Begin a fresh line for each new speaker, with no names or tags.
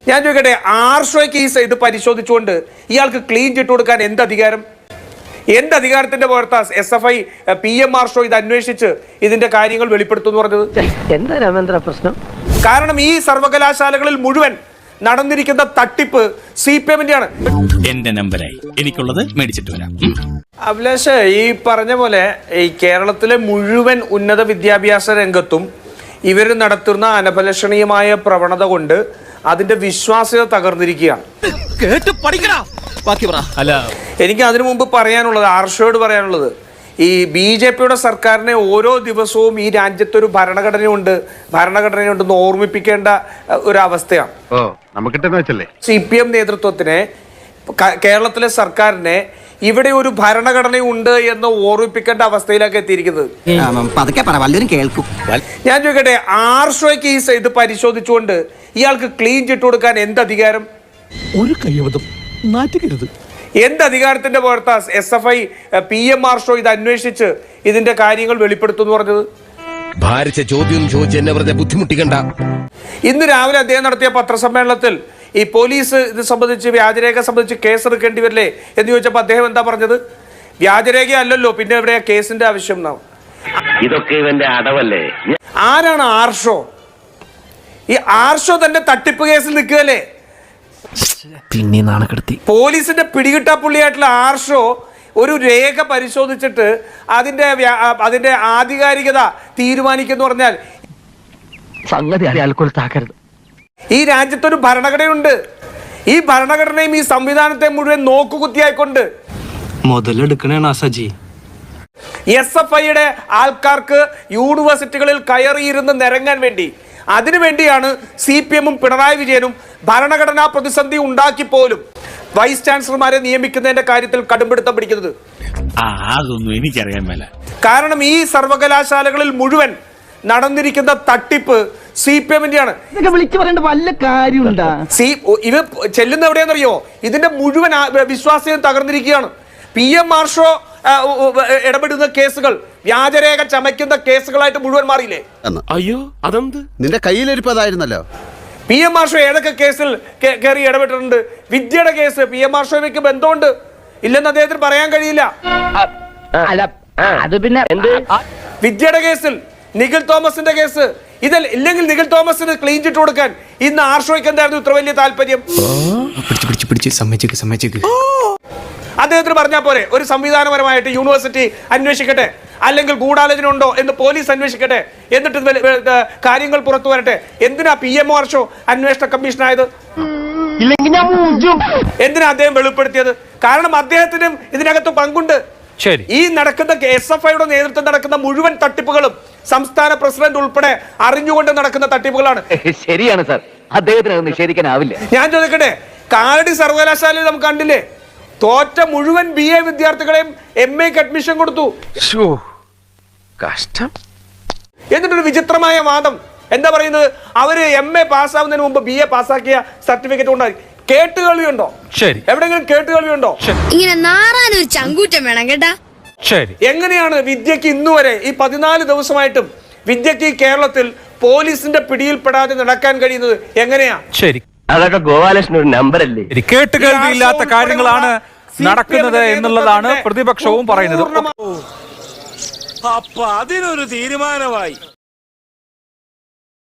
ഞാൻ ചോദിക്കട്ടെ, ആർഷോയ്ക്ക് ഈ ഇത് പരിശോധിച്ചുകൊണ്ട് ഇയാൾക്ക് ക്ലീൻ ചിട്ട് കൊടുക്കാൻ എന്ത് അധികാരം? എന്ത് അധികാരത്തിന്റെ പുറത്താ SFI PM ആർഷോ ഇത് അന്വേഷിച്ച് ഇതിന്റെ കാര്യങ്ങൾ വെളിപ്പെടുത്തുമെന്ന് പറഞ്ഞത്?
എന്താ രാമേന്ദ്ര പ്രശ്നം?
കാരണം ഈ സർവകലാശാലകളിൽ മുഴുവൻ നടന്നിരിക്കുന്ന തട്ടിപ്പ് CPM-ന്റെ ആണ്.
എന്റെ നമ്പറായി എനിക്കുള്ളത് മേടിച്ചിട്ട് വരാം.
അഭിലാഷ്, ഈ പറഞ്ഞ പോലെ ഈ കേരളത്തിലെ മുഴുവൻ ഉന്നത വിദ്യാഭ്യാസ രംഗത്തും ഇവർ നടത്തുന്ന അനഭിലഷണീയമായ പ്രവണത കൊണ്ട് അതിന്റെ വിശ്വാസ്യത തകർന്നിരിക്കുകയാണ്. എനിക്ക് അതിനു മുമ്പ് പറയാനുള്ളത്, ആർഷോയോട് പറയാനുള്ളത്, ഈ BJP-യുടെ സർക്കാരിനെ ഓരോ ദിവസവും ഈ രാജ്യത്തൊരു ഭരണഘടനയുണ്ടെന്ന് ഓർമ്മിപ്പിക്കേണ്ട ഒരു അവസ്ഥയാണ്. CPM നേതൃത്വത്തിനെ, കേരളത്തിലെ സർക്കാരിനെ ഇവിടെ ഒരു ഭരണഘടനയുണ്ട് എന്ന് ഓർമ്മിപ്പിക്കേണ്ട അവസ്ഥയിലേക്ക് എത്തിയിരിക്കുന്നത്. ഞാൻ ചോദിക്കട്ടെ, ആർഷോയ്ക്ക് ഈ ഇത് പരിശോധിച്ചുകൊണ്ട് ഇയാൾക്ക് ക്ലീൻ ചിട്ട് കൊടുക്കാൻ എന്ത് അധികാരം?
ഒരു കയ്യബദ്ധം നാറ്റുകരുത്.
എന്ത് അധികാരത്തിന്റെ പുറത്താ SFI PM ആർഷോ ഇത് അന്വേഷിച്ച് ഇതിന്റെ കാര്യങ്ങൾ വെളിപ്പെടുത്തുമെന്ന് പറഞ്ഞത്?
ഭാരിച്ച ചോദ്യം ചോദിച്ച് എന്നെ വെറുതെ ബുദ്ധിമുട്ടിക്കണ്ട.
ഇന്ന് രാവിലെ അദ്ദേഹം നടത്തിയ പത്രസമ്മേളനത്തിൽ ഈ പോലീസ് ഇത് സംബന്ധിച്ച്, വ്യാജരേഖ സംബന്ധിച്ച് കേസ് എടുക്കേണ്ടി വരില്ലേ എന്ന് ചോദിച്ചപ്പോൾ അദ്ദേഹം എന്താ പറഞ്ഞത്? വ്യാജരേഖ അല്ലല്ലോ, പിന്നെ എവിടെയാ കേസിന്റെ ആവശ്യം?
ഇതൊക്കെ ഇവന്റെ അടവല്ലേ?
ആരാണ് ആർഷോ? ഈ ആർഷോ തന്നെ തട്ടിപ്പ് കേസിൽ നിൽക്കുകയല്ലേ?
പിന്നെ നാണക്കെടുത്തി.
പോലീസിന്റെ പിടികിട്ടാപ്പുള്ളിയായിട്ടുള്ള ആർഷോ ഒരു രേഖ പരിശോധിച്ചിട്ട് അതിന്റെ ആധികാരികത തീരുമാനിക്കുന്നു പറഞ്ഞാൽ
സംഗതി അയാൾക്കൊരുത്താക്കരുത്.
ഈ രാജ്യത്തൊരു ഭരണഘടനയുണ്ട്. ഈ ഭരണഘടനയും ഈ സംവിധാനത്തെ മുഴുവൻ നോക്കുകുത്തിയായിക്കൊണ്ട്
മുതലെടുക്കണേണ സജി.
SFIയുടെ ആൾക്കാർക്ക് യൂണിവേഴ്സിറ്റികളിൽ കയറിയിരുന്ന് നിരങ്ങാൻ വേണ്ടി, അതിനുവേണ്ടിയാണ് CPM-ഉം പിണറായി വിജയനും ഭരണഘടനാ പ്രതിസന്ധി ഉണ്ടാക്കി പോലും വൈസ് ചാൻസലർമാരെ നിയമിക്കുന്നതിന്റെ കാര്യത്തിൽ കടുംപിടുത്തം പിടിക്കുന്നത്.
അതൊന്നും എനിക്കറിയാൻ മേല.
കാരണം ഈ സർവകലാശാലകളിൽ മുഴുവൻ നടന്നിരിക്കുന്ന തട്ടിപ്പ് CPM-ന്റെ ആണ്.
വിളിച്ചു പറയേണ്ട വല്ല കാര്യമുണ്ടാ?
ഇത് ചെല്ലുന്ന എവിടെയാണെന്നറിയോ? ഇതിന്റെ മുഴുവൻ വിശ്വാസ്യത തകർന്നിരിക്കുകയാണ്. PM ആർഷോ ഇടപെടുന്ന കേസുകൾ വ്യാജരേഖ ചമയ്ക്കുന്ന കേസുകളായിട്ട് മുഴുവൻ മാറിയില്ലേ?
അയ്യോ, അതെന്ത്?
നിന്റെ കയ്യിലിരിപ്പതായിരുന്നല്ലോ.
PM ആർഷോ ഏതൊക്കെ കേസിൽ കയറി ഇടപെട്ടിട്ടുണ്ട്? വിദ്യയുടെ കേസ് PM ആർഷോയ്ക്ക് ബന്ധമുണ്ട് ഇല്ലെന്ന് അദ്ദേഹത്തിന് പറയാൻ കഴിയില്ല.
അത് പിന്നെ
വിദ്യയുടെ കേസിൽ, നിഖിൽ തോമസിന്റെ കേസ്, ഇല്ലെങ്കിൽ നിഖിൽ തോമസിന് ക്ലീൻ ചിട്ട് കൊടുക്കാൻ ഇന്ന് ആർഷോയ്ക്ക് എന്തായിരുന്നു ഇത്ര വലിയ താല്പര്യം? അദ്ദേഹത്തിന് പറഞ്ഞാൽ പോരെ, ഒരു സംവിധാനപരമായിട്ട് യൂണിവേഴ്സിറ്റി അന്വേഷിക്കട്ടെ, അല്ലെങ്കിൽ ഗൂഢാലോചന ഉണ്ടോ എന്ന് പോലീസ് അന്വേഷിക്കട്ടെ, എന്നിട്ട് കാര്യങ്ങൾ പുറത്തു വരട്ടെ. എന്തിനാ PM ആർഷോ അന്വേഷണ കമ്മീഷൻ ആയത്? എന്തിനാ അദ്ദേഹം വെളിപ്പെടുത്തിയത്? കാരണം അദ്ദേഹത്തിനും ഇതിനകത്ത് പങ്കുണ്ട്. ഈ നടക്കുന്ന SFIയുടെ നേതൃത്വം നടക്കുന്ന മുഴുവൻ തട്ടിപ്പുകളും സംസ്ഥാന പ്രസിഡന്റ് ഉൾപ്പെടെ അറിഞ്ഞുകൊണ്ട് നടക്കുന്ന തട്ടിപ്പുകളാണ്.
ശരിയാണ് സാർ, അദ്ദേഹത്തിന് നിഷേധിക്കാനാവില്ല. ഞാൻ
ചോദിക്കട്ടെ, കാലടി സർവകലാശാലയിൽ നമുക്ക് കണ്ടില്ലേ, തോറ്റ മുഴുവൻ BA വിദ്യാർത്ഥികളെയും MA-ക്ക് അഡ്മിഷൻ കൊടുത്തു.
കഷ്ടം.
എന്നിട്ടൊരു വിചിത്രമായ വാദം എന്താ പറയുന്നത്? അവര് MA പാസ്സാവുന്നതിന് മുമ്പ് BA പാസ്സാക്കിയ സർട്ടിഫിക്കറ്റ് ഉണ്ടായി. കേട്ടുകേൾവിയുണ്ടോ? ശരി, എവിടെയെങ്കിലും കേട്ടുകേൾവിയുണ്ടോ?
ഇങ്ങനെ നാറാനൊരു ചങ്കൂറ്റം വേണം കേട്ടാ.
ശരി, എങ്ങനെയാണ് വിദ്യക്ക് ഇന്നുവരെ ഈ 14 ദിവസമായിട്ടും വിദ്യക്ക് കേരളത്തിൽ പോലീസിന്റെ പിടിയിൽപ്പെടാതെ നടക്കാൻ കഴിയുന്നത് എങ്ങനെയാ?
ശരി, അതൊക്കെ ഗോപാലകൃഷ്ണൻ ഒരു നമ്പറല്ലേ?
കേട്ടുകേൾവിയില്ലാത്ത കാര്യങ്ങളാണ് നടക്കുന്നത് എന്നുള്ളതാണ് പ്രതിപക്ഷവും പറയുന്നത്.
അപ്പൊ അതിനൊരു തീരുമാനമായി.